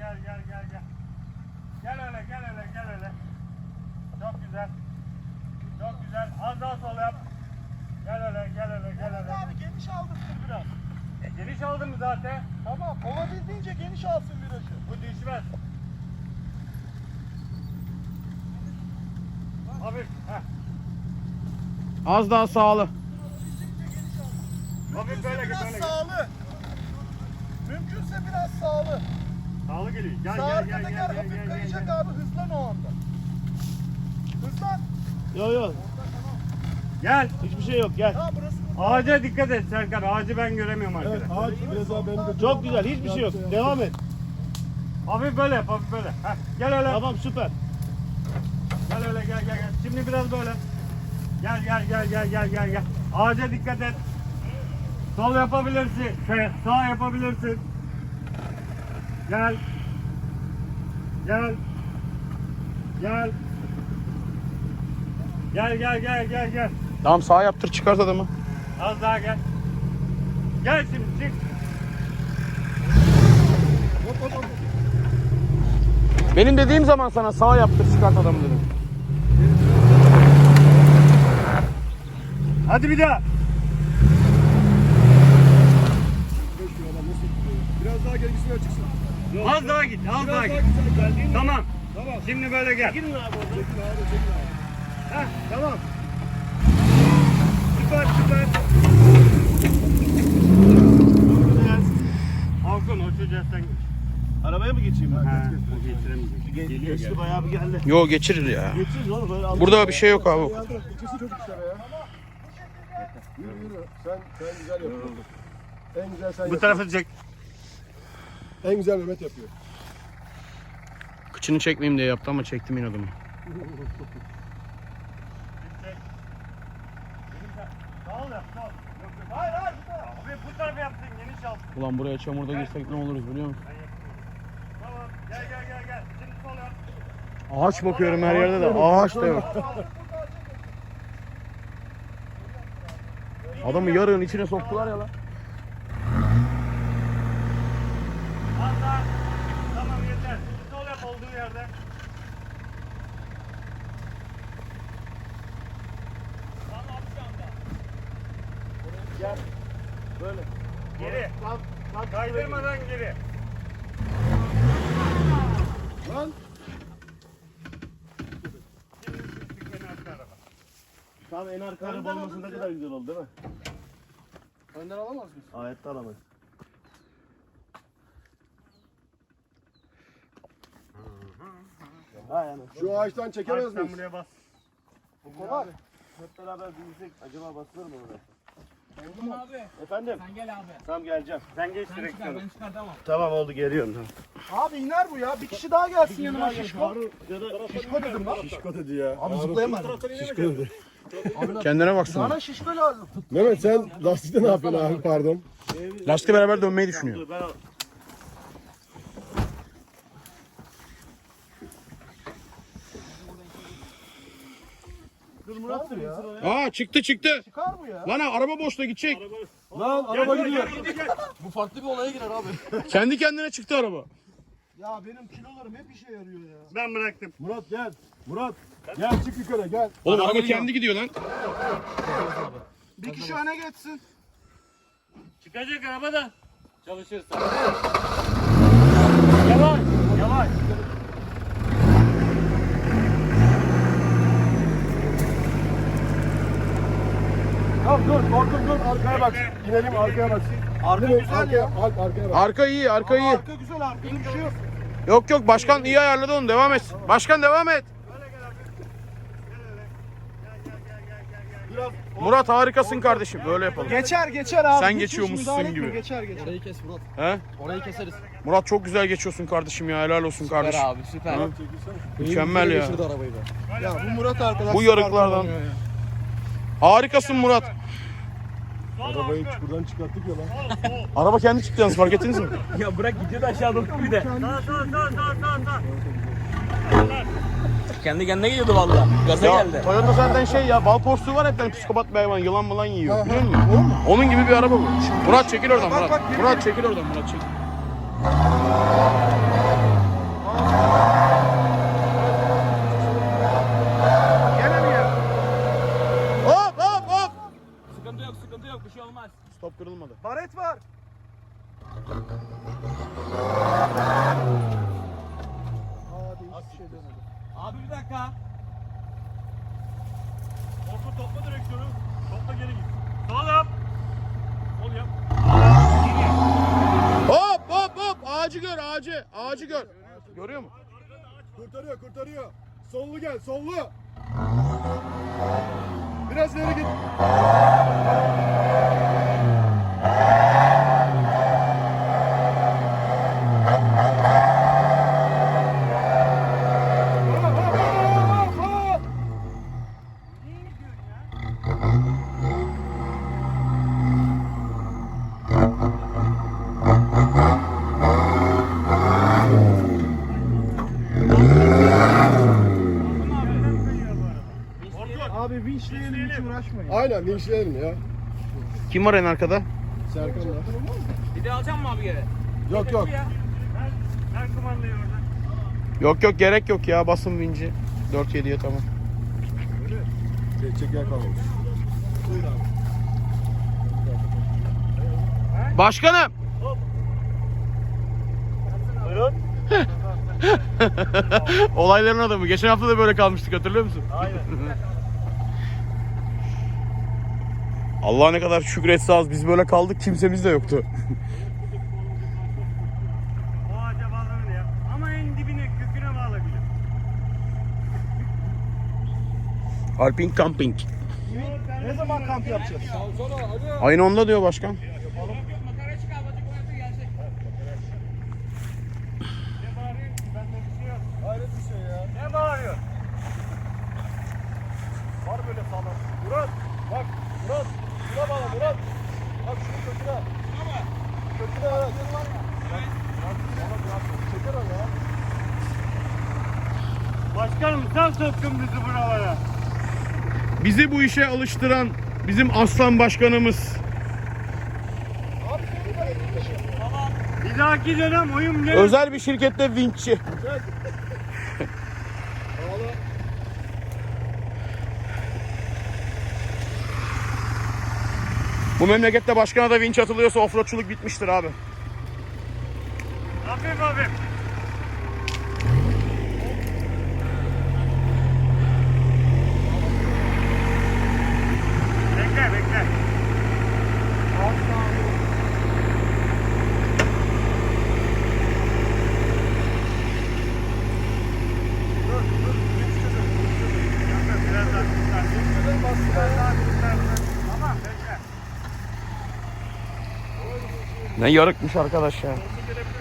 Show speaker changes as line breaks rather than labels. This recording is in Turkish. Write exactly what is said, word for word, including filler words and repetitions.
gel gel gel gel. Gel öyle gel öyle gel öyle. Çok güzel. Çok güzel. Az daha sol yap. Gel öyle gel öyle gel öyle.
Abi geniş aldırsın biraz.
E, geniş aldın mı zaten?
Tamam, olabildiğince geniş alsın virajı.
Bu düşmez. Hafif. Heh.
Az daha sağlı.
Hafif böyle git
Biraz
böyle git.
sağlı. Mümkünse biraz sağlı.
Sağlı geliyor. Gel
Sağ
gel gel
arka
gel
teker
gel
hafif
gel gel.
kayacak
gel.
abi, hızlan o anda. Hızlan.
Yok yok.
Gel.
Hiçbir şey yok gel.
Tamam burası bu.
Ağaca dikkat et Serkan. Ağacı ben göremiyorum arkada.
Evet, ağaç biraz daha benim de
Çok güzel. Hiçbir şey yok. Devam et.
Hafif böyle yap, hafif böyle. Heh, gel öyle.
Tamam süper.
Gel öyle gel gel gel. Şimdi biraz böyle. Gel gel gel gel gel gel gel. Ağaca dikkat et. Sol yapabilirsin. Şey, sağ yapabilirsin. Gel. Gel. Gel. Gel gel gel gel gel.
Tamam sağ yaptır çıkart adamı.
Az daha gel. Gel şimdi çık.
Benim dediğim zaman sana sağ yaptır çıkart adamı dedim.
Hadi bir daha.
biraz daha gerisine çıksın.
Az daha git, az daha git. Tamam.
Tamam.
Şimdi böyle gel.
Çekin abi oradan. Çekin abi, çekin abi.
Heh, tamam. Süper süper. Güzel. Orkun o çocuğa sen geç.
Arabaya mı geçeyim ben?
Ha, o geçiremeyecek. Geliyor
Geçti
gel.
bayağı bir geldi. Yo geçirir ya.
Geçiriz oğlum böyle.
Burada bir şey yok abi.
İkisi çocuk işlere ya. Yürü yürü. Sen sen güzel yapıyorsun. En güzel sen
Bu
yapıyorsun.
tarafı çek.
En güzel Mehmet yapıyor.
Kıçını çekmeyeyim diye yaptı ama çektim inadımı.
Sağ ol yap, sağ ol. Yok, yok. Hayır, hayır. Bu taraf. Abi bu tarafı yapsın, geniş al.
Ulan buraya çamurda girsek ne oluruz biliyor musun?
Tamam, gel gel gel gel. Şimdi sol yap.
Ağaç bakıyorum her yerde de ağaç da yok. Adamı yarığın içine soktular ya lan.
Az daha. Tamam yeter. Şimdi sol yap olduğu yerde. Tamam şu anda.
Gel. Böyle.
Geri. Kaydırmadan geri.
Lan.
Şimdi düştük beni arka araba.
Tam en arka araba olması ne kadar güzel oldu değil mi?
Önden alamaz mısın?
Ayette alamayız. Ha yani.
Şu ağaçtan çekemez
Bak sen
miyiz?
buraya bas.
Bu kolay.
Hep beraber büyüsek acaba basılır mı oraya?
Orkun abi
Efendim?
sen gel abi.
Tamam geleceğim.
Sen geç
Sen çıkar
direksiyonu.
ben çıkar tamam.
Tamam oldu geliyorum. Tamam.
Abi iner bu ya. Bir kişi daha gelsin yanıma şişko.
Şişko dedim lan. Şişko dedi ya.
Abi zıplayamadı.
Şişko dedi.
Kendine baksana.
Bana şişko lazım.
Mehmet sen lastikte ne yapıyorsun abi pardon?
Lastikle beraber dönmeyi düşünüyor.
Murat ya.
Aa çıktı çıktı.
Çıkar bu ya.
Lan ha, araba boşta gidecek.
Lan araba gidiyor.
Bu farklı bir olaya girer abi.
Kendi kendine çıktı araba.
Ya benim kilolarım hep işe yarıyor ya.
Ben bıraktım.
Murat gel. Murat gel çık yukarı gel.
Oğlum araba kendi gidiyor lan.
Bir kişi öne geçsin.
Çıkacak araba da çalışırsa. Yavaş, yavaş.
Tamam dur korktum dur arkaya bak. İnelim arkaya bak.
Arka
İnelim,
güzel
arkaya,
ya.
Alp arkaya bak.
Arka iyi arka iyi.
Arka güzel, arkada bir şey yok.
Yok yok başkan iyi ayarladı onu devam et. Başkan devam et. Murat harikasın kardeşim böyle yapalım.
Geçer geçer abi.
Sen
Hiç
geçiyormuşsun
müdahale etme,
gibi.
Geçer geçer.
Orayı kes Murat.
He?
Orayı keseriz.
Murat çok güzel geçiyorsun kardeşim ya helal olsun kardeşim.
Süper abi süper.
Ha? Mükemmel ya.
arabayı da.
Ya bu Murat arkadaş.
Bu yarıklardan. Harikasın Murat.
Arabayı çukurdan çıkarttık ya lan.
Araba kendi çıktı yalnız fark ettiniz mi?
Ya bırak gidiyor da aşağı doğru bir de.
Sağ sağ sağ sağ sağ sağ.
Kendi kendine gidiyordu valla. Gaza
Ya
geldi.
Toyota zaten şey ya bal porsuğu var hepten psikopat bir hayvan yılan mılan yiyor biliyor musun? Onun gibi bir araba bu. Murat çekil oradan Murat. Murat çekil oradan Murat çekil. kırılmadı.
Baret var. Aa değişik bir şey dönüyor.
Abi bir dakika.
Orkun topla direksiyonu. Topla geri git. Sol yap. Sol yap.
Hop hop hop ağacı gör ağacı ağacı gör. Görüyor musun?
Kurtarıyor kurtarıyor. Sollu gel sollu. Biraz ileri git.
Abi vinçleyelim hiç uğraşmayın.
Aynen linçleyelim ya.
Kim var en arkada?
Serkan var.
Bir de alacağım mı abi geri?
Yok yok.
Ver, ver kumandayı oradan.
Yok yok gerek yok ya basın vinci. dört yediye tamam.
Çek yer kalmamış.
Başkanım.
Buyurun.
Olayların adamı. Geçen hafta da böyle kalmıştık hatırlıyor musun?
Aynen.
Allah ne kadar şükretse az biz böyle kaldık kimsemiz de yoktu.
O ağaca bağlanır ya. Ama en dibine, köküne bağlayabilir.
Alping camping.
Ne zaman kamp yapacağız?
Ayın onda diyor başkan.
Ne bağırıyorsun? Bende bir şey yok.
Hayret bir şey ya.
Ne bağırıyor?
Var böyle sağlam. Murat bak Murat. Şuna bağla Murat. Bak şunu köküne. Şuna mı? Köküne evet. Çeker o ya.
Başkanım sen soktun bizi buralara.
Bizi bu işe alıştıran bizim aslan başkanımız.
Bir dahaki dönem oyun ne?
Özel bir şirkette vinççi. Bu memlekette başkana da vinç atılıyorsa offroadçuluk bitmiştir abi.
Hafif hafif. Bekle bekle. Biraz daha tutar. Biraz daha tutar. Tamam bekle.
Ne yarıkmış arkadaş ya.
Gelebilir